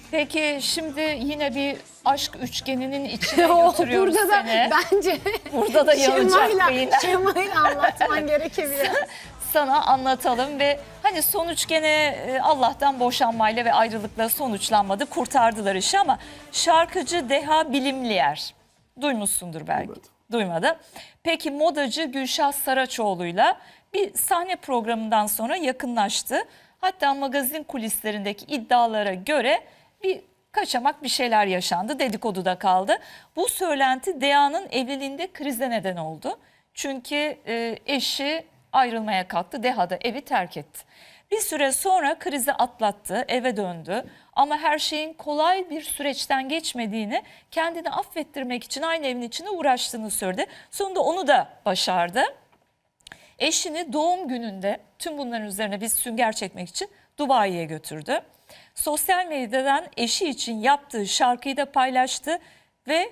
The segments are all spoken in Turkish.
Peki şimdi yine bir aşk üçgeninin içine götürüyoruz Burada da seni. bence Burada da yanacak beyinler. Şemayla anlatman gerekebilir. Sana anlatalım ve hani sonuç gene Allah'tan boşanmayla ve ayrılıkla sonuçlanmadı. Kurtardılar işi ama şarkıcı Deha Bilimliyer. Duymuşsundur belki. Duymadım. Duymadı. Peki modacı Gülşah Saraçoğlu'yla bir sahne programından sonra yakınlaştı. Hatta magazin kulislerindeki iddialara göre bir kaçamak bir şeyler yaşandı. Dedikoduda kaldı. Bu söylenti Deha'nın evliliğinde krize neden oldu. Çünkü eşi ayrılmaya kalktı. Deha da evi terk etti. Bir süre sonra krizi atlattı, eve döndü. Ama her şeyin kolay bir süreçten geçmediğini, kendini affettirmek için aynı evin içinde uğraştığını söyledi. Sonunda onu da başardı. Eşini doğum gününde tüm bunların üzerine bir sünger çekmek için Dubai'ye götürdü. Sosyal medyadan eşi için yaptığı şarkıyı da paylaştı ve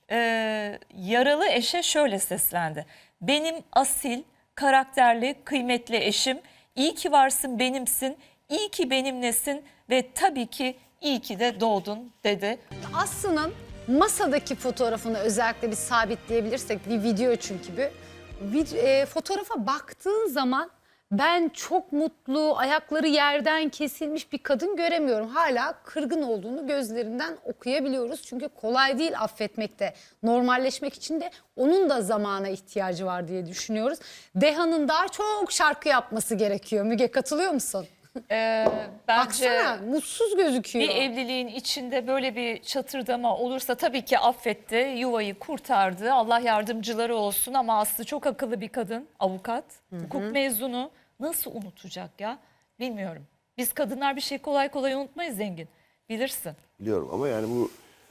yaralı eşe şöyle seslendi. Benim asil, karakterli, kıymetli eşim, iyi ki varsın benimsin, iyi ki benimlesin ve tabii ki iyi ki de doğdun dedi. Aslı'nın masadaki fotoğrafını özellikle bir sabitleyebilirsek, bir video çünkü bu. Fotoğrafa baktığın zaman ben çok mutlu, ayakları yerden kesilmiş bir kadın göremiyorum. Hala kırgın olduğunu gözlerinden okuyabiliyoruz. Çünkü kolay değil affetmekte, normalleşmek için de onun da zamana ihtiyacı var diye düşünüyoruz. Deha'nın daha çok şarkı yapması gerekiyor. Müge, katılıyor musun? Bence Baksana, mutsuz gözüküyor. bir evliliğin içinde böyle bir çatırdama olursa tabii ki affetti, yuvayı kurtardı. Allah yardımcıları olsun ama Aslı çok akıllı bir kadın, avukat, hukuk mezunu. Nasıl unutacak ya? Bilmiyorum. Biz kadınlar bir şey kolay kolay unutmayız Zengin. Bilirsin. Biliyorum ama yani bu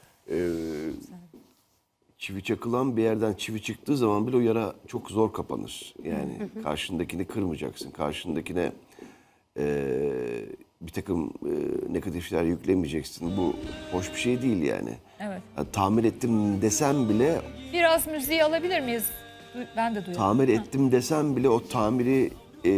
çivi çakılan bir yerden çivi çıktığı zaman bile o yara çok zor kapanır. Yani karşındakini kırmayacaksın. Karşındakine bir takım negatifler yüklemeyeceksin. Bu hoş bir şey değil yani. Evet. Yani tamir ettim desem bile, Biraz müziği alabilir miyiz? Ben de duyuyorum. tamir ettim desem bile o tamir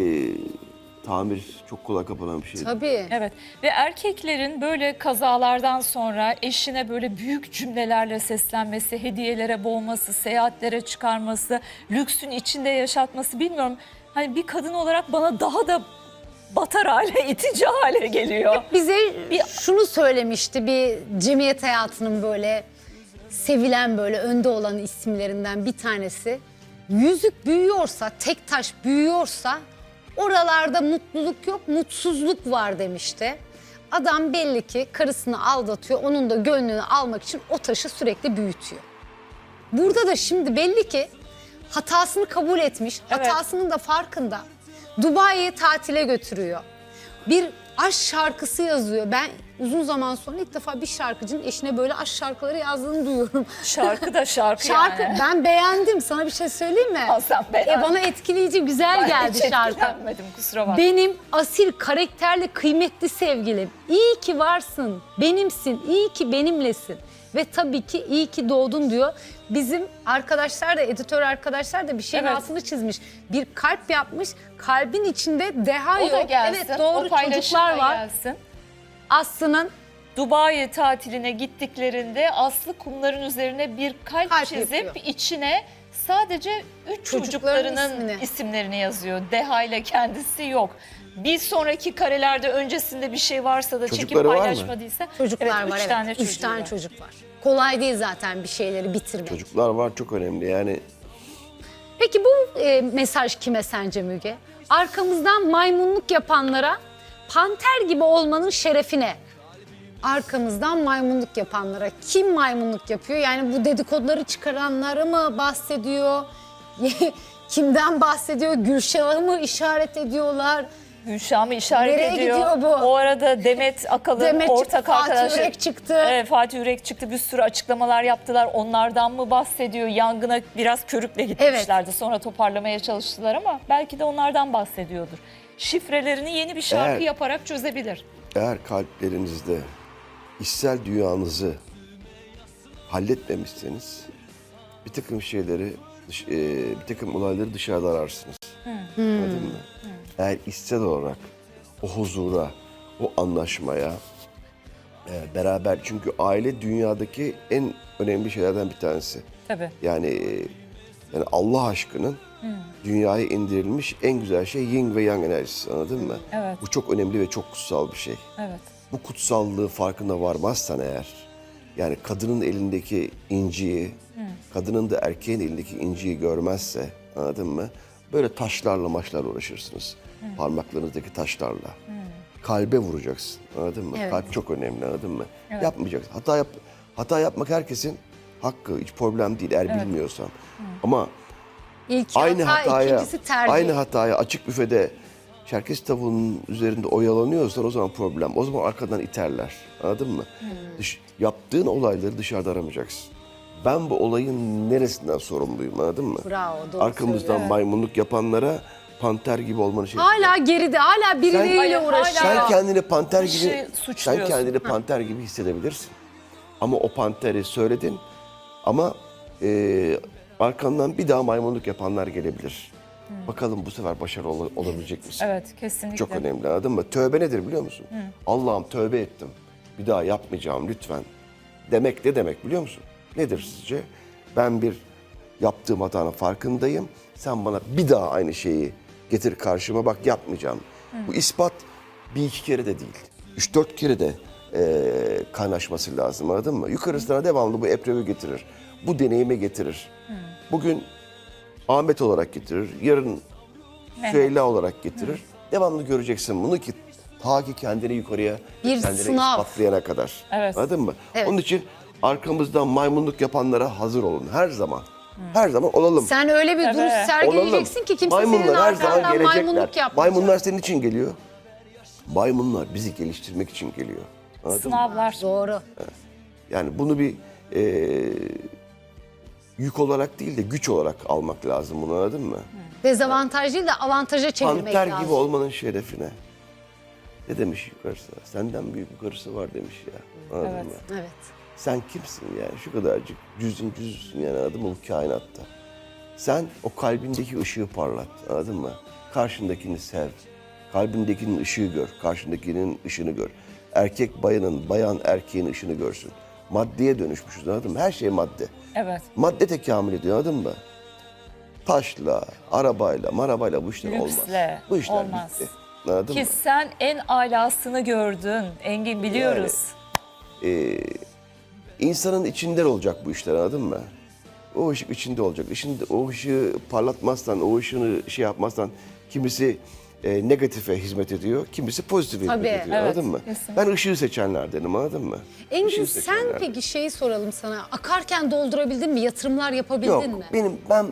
çok kolay kapanan bir şey. Tabii. Evet ve erkeklerin böyle kazalardan sonra eşine böyle büyük cümlelerle seslenmesi, hediyelere boğması, seyahatlere çıkarması, lüksün içinde yaşatması bilmiyorum. Hani bir kadın olarak bana daha da batar hale, itici hale geliyor. Bize şunu söylemişti, bir cemiyet hayatının böyle sevilen, böyle önde olan isimlerinden bir tanesi. Yüzük büyüyorsa, tek taş büyüyorsa oralarda mutluluk yok, mutsuzluk var demişti. Adam belli ki karısını aldatıyor, onun da gönlünü almak için o taşı sürekli büyütüyor. Burada da şimdi belli ki hatasını kabul etmiş, Evet. hatasının da farkında. Dubai'ye tatile götürüyor. Bir aşk şarkısı yazıyor. Ben uzun zaman sonra ilk defa bir şarkıcının eşine böyle aşk şarkıları yazdığını duyuyorum. Şarkı da şarkı, Şarkı yani. ben beğendim. Sana bir şey söyleyeyim mi? Al sen beğen. Bana etkileyici, güzel Ben geldi hiç şarkı. etkilenmedim, kusura bakma. Benim asil, karakterli, kıymetli sevgilim. İyi ki varsın, benimsin, iyi ki benimlesin. Ve tabii ki iyi ki doğdun diyor. Bizim arkadaşlar da, editör arkadaşlar da bir şeyin Evet. altını çizmiş. Bir kalp yapmış, kalbin içinde Deha O da yok. gelsin. Evet, doğru, o paylaşım çocuklar da var. gelsin. Aslı'nın Dubai tatiline gittiklerinde Aslı kumların üzerine bir kalp Kalp çizip yapıyor. içine sadece 3 Çocukların çocuklarının isimlerini yazıyor. Deha ile kendisi yok. Bir sonraki karelerde öncesinde bir şey varsa da çekip Çocukları var mı? paylaşmadıysa. çocuklar evet, var. üç tane Üç çocuğu tane var. çocuk var. Kolay değil zaten bir şeyleri bitirmek. Çocuklar var, çok önemli yani. Peki bu mesaj kime sence Müge? Arkamızdan maymunluk yapanlara, panter gibi olmanın şerefine. Arkamızdan maymunluk yapanlara. Kim maymunluk yapıyor? Yani bu dedikoduları çıkaranları mı bahsediyor? Kimden bahsediyor? Gülşah'ı mı işaret ediyorlar? Gülşah'ımı işaret Nereye ediyor. gidiyor bu? O arada Demet Akalın Demet ortak çıktı, Fatih arkadaşı. Yürek çıktı. Evet, Fatih Yürek çıktı, bir sürü açıklamalar yaptılar. Onlardan mı bahsediyor? Yangına biraz körükle gitmişlerdi. Sonra toparlamaya çalıştılar ama belki de onlardan bahsediyordur. Şifrelerini yeni bir şarkı Eğer- yaparak çözebilir. Eğer kalplerinizde içsel dünyanızı halletmemişseniz bir takım şeyleri, bir takım olayları dışarıda ararsınız. Anladın mı? Eğer içsel olarak o huzura, o anlaşmaya, Beraber, çünkü aile dünyadaki en önemli şeylerden bir tanesi. Tabii. Yani Allah aşkının dünyaya indirilmiş en güzel şey yin ve yang enerjisi, anladın mı? Evet. Bu çok önemli ve çok kutsal bir şey. Evet. Bu kutsallığı farkına varmazsan eğer, yani kadının elindeki inciyi, kadının da erkeğin elindeki inciyi görmezse, anladın mı? Böyle taşlarla maçlarla uğraşırsınız. Parmaklarınızdaki taşlarla. Kalbe vuracaksın, anladın mı? Evet. Kalp çok önemli, anladın mı? Yapmayacaksın. Hata yapmak herkesin hakkı, hiç problem değil eğer bilmiyorsan. Ama İlk aynı hata, hataya, ikincisi tercih. aynı hataya açık büfede Çerkez tavuğunun üzerinde oyalanıyorsan o zaman problem. O zaman arkadan iterler. Anladın mı? Yaptığın olayları dışarıda aramayacaksın. Ben bu olayın neresinden sorumluyum, anladın mı? Bravo, doğru Arkamızdan söylüyorsun. maymunluk yapanlara panter gibi olmanı şey. Hala geride, hala birileriyle Hayır, uğraşıyor. Sen kendini panter Kişi gibi suçluyorsun. hissedebilirsin. Ama o panteri söyledin ama arkandan bir daha maymunluk yapanlar gelebilir. Bakalım bu sefer başarılı olabilecek misin? Evet, kesinlikle. Çok önemli, anladın mı? Tövbe nedir biliyor musun? Allah'ım tövbe ettim. Bir daha yapmayacağım lütfen. Demek ne demek biliyor musun? Nedir sizce? Ben bir yaptığım hatanın farkındayım. Sen bana bir daha aynı şeyi getir karşıma, bak yapmayacağım. Bu ispat bir iki kere de değil. 3-4 kere de kaynaşması lazım, anladın mı? Yukarısına devamlı bu eprevi getirir. Bu deneyime getirir. Bugün Ahmet olarak getirir. Yarın Süheyla olarak getirir. Devamlı göreceksin bunu ki ta ki kendini yukarıya, Bir kendine sınav. ispatlayana kadar. Evet. Anladın mı? Evet. Onun için arkamızdan maymunluk yapanlara hazır olun. Her zaman. Her zaman olalım. Sen öyle bir duruş Evet. sergileyeceksin ki kimse senin Maymunlar her zaman arkandan maymunluk gelecekler. yapmayacak. Maymunlar senin için geliyor. Maymunlar bizi geliştirmek için geliyor. Anladın mı? Sınavlar. Doğru. Yani bunu bir yük olarak değil de güç olarak almak lazım, bunu, anladın mı? Dezavantaj değil de avantaja çevirmek Panter lazım. gibi olmanın şerefine. Ne demiş yukarısı? Senden büyük yukarısı var demiş ya. Anladın Evet. mı? Evet. Sen kimsin yani? Şu kadarcık cüzünsün yani, anladın mı, bu kainatta. Sen o kalbindeki ışığı parlat, anladın mı? Karşındakini sev. Kalbindekinin ışığı gör. Karşındakinin ışığını gör. Erkek bayanın, bayan erkeğin ışığını görsün. Maddeye dönüşmüşüz, anladın mı? Her şey madde. Evet. Madde tekamül ediyor, anladın mı? Taşla, marabayla bu işler olmaz. Lüksle Bu işler olmaz. bitti. Anladın Ki mı? sen en alasını gördün. Engin, biliyoruz. İnsanın içinde olacak bu işler, anladın mı? O ışık içinde olacak. O ışığı parlatmazsan, o ışığını şey yapmazsan kimisi negatife hizmet ediyor, kimisi pozitife Tabii, hizmet ediyor, evet, anladın mı? kesinlikle. Ben ışığı seçenlerdenim, anladın mı? Engin, Işığı sen seçenlerdenim. peki şeyi soralım sana. Akarken doldurabildin mi? Yatırımlar yapabildin Yok, mi? ben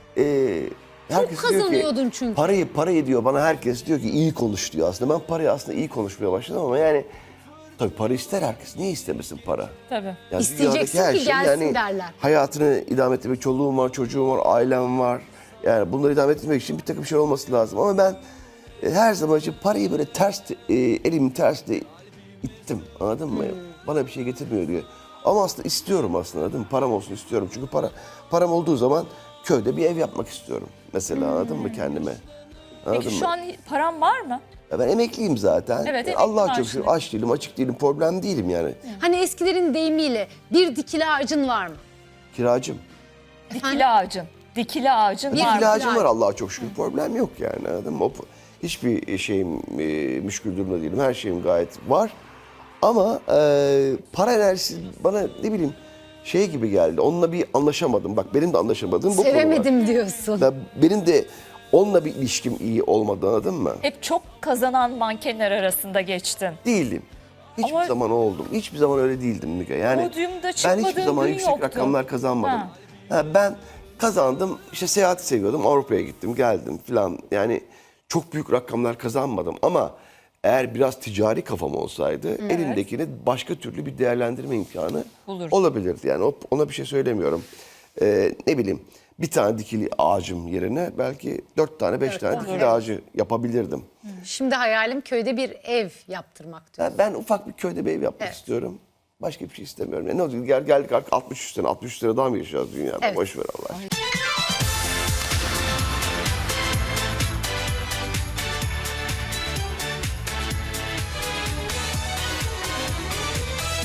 herkes diyor ki, kazanıyordun çünkü. parayı diyor bana, herkes diyor ki iyi konuş diyor aslında. Ben parayı aslında iyi konuşmaya başladım ama yani tabii para ister herkes. Niye istemesin para? Tabii. Yani İsteyeceksin dünyadaki ki gelsin derler. Hayatını idame ettirmek, çoluğum var, çocuğum var, ailem var. Yani bunları idame ettirmek için bir takım şey olması lazım. Ama ben her zaman için parayı böyle elimin tersle ittim, anladın mı? Bana bir şey getirmiyor diye. Ama aslında istiyorum aslında, anladın mı? Param olsun istiyorum. Çünkü param olduğu zaman köyde bir ev yapmak istiyorum. Mesela, anladın mı, kendime? Anladın Peki mı? şu an paran var mı? Ya ben emekliyim zaten. Evet, emekli Allah'a çok maaşlı. şükür, aç değilim, açık değilim, problem değilim yani. Hani eskilerin deyimiyle bir dikili ağacın var mı? Kiracım. Dikili ağacın. Dikili ağacın var mı? İlacım var Allah'a çok şükür. Problem yok yani, anladın mı? Hiçbir şeyim müşkül durumda değilim. Her şeyim gayet var. Ama para enerjisi bana ne bileyim şey gibi geldi. Onunla bir anlaşamadım. Bak benim de anlaşamadığım bu konu var. Sevemedim diyorsun. Ya benim de onunla bir ilişkim iyi olmadı, anladın mı? Hep çok kazanan mankenler arasında geçtin. Değildim. Hiçbir Ama- zaman oldum. Hiçbir zaman öyle değildim Müge. Yani Podyumda ben çıkmadığın hiçbir zaman gün yüksek yoktu. rakamlar kazanmadım. Ha. Ben kazandım, işte seyahati seviyordum, Avrupa'ya gittim, geldim falan. Yani çok büyük rakamlar kazanmadım ama eğer biraz ticari kafam olsaydı elimdekini başka türlü bir değerlendirme imkanı Bulurdun. olabilirdi. Yani ona bir şey söylemiyorum. Ne bileyim, bir tane dikili ağacım yerine belki 4 tane 5 tane dikili ağacı yapabilirdim. Şimdi hayalim köyde bir ev yaptırmak diyor. Ben ufak bir köyde bir ev yapmak istiyorum. Başka bir şey istemiyorum. Yani ne olacak? Geldik artık 63 sene daha mı yaşayacağız dünyada? Evet. Boş ver Allah aşkına.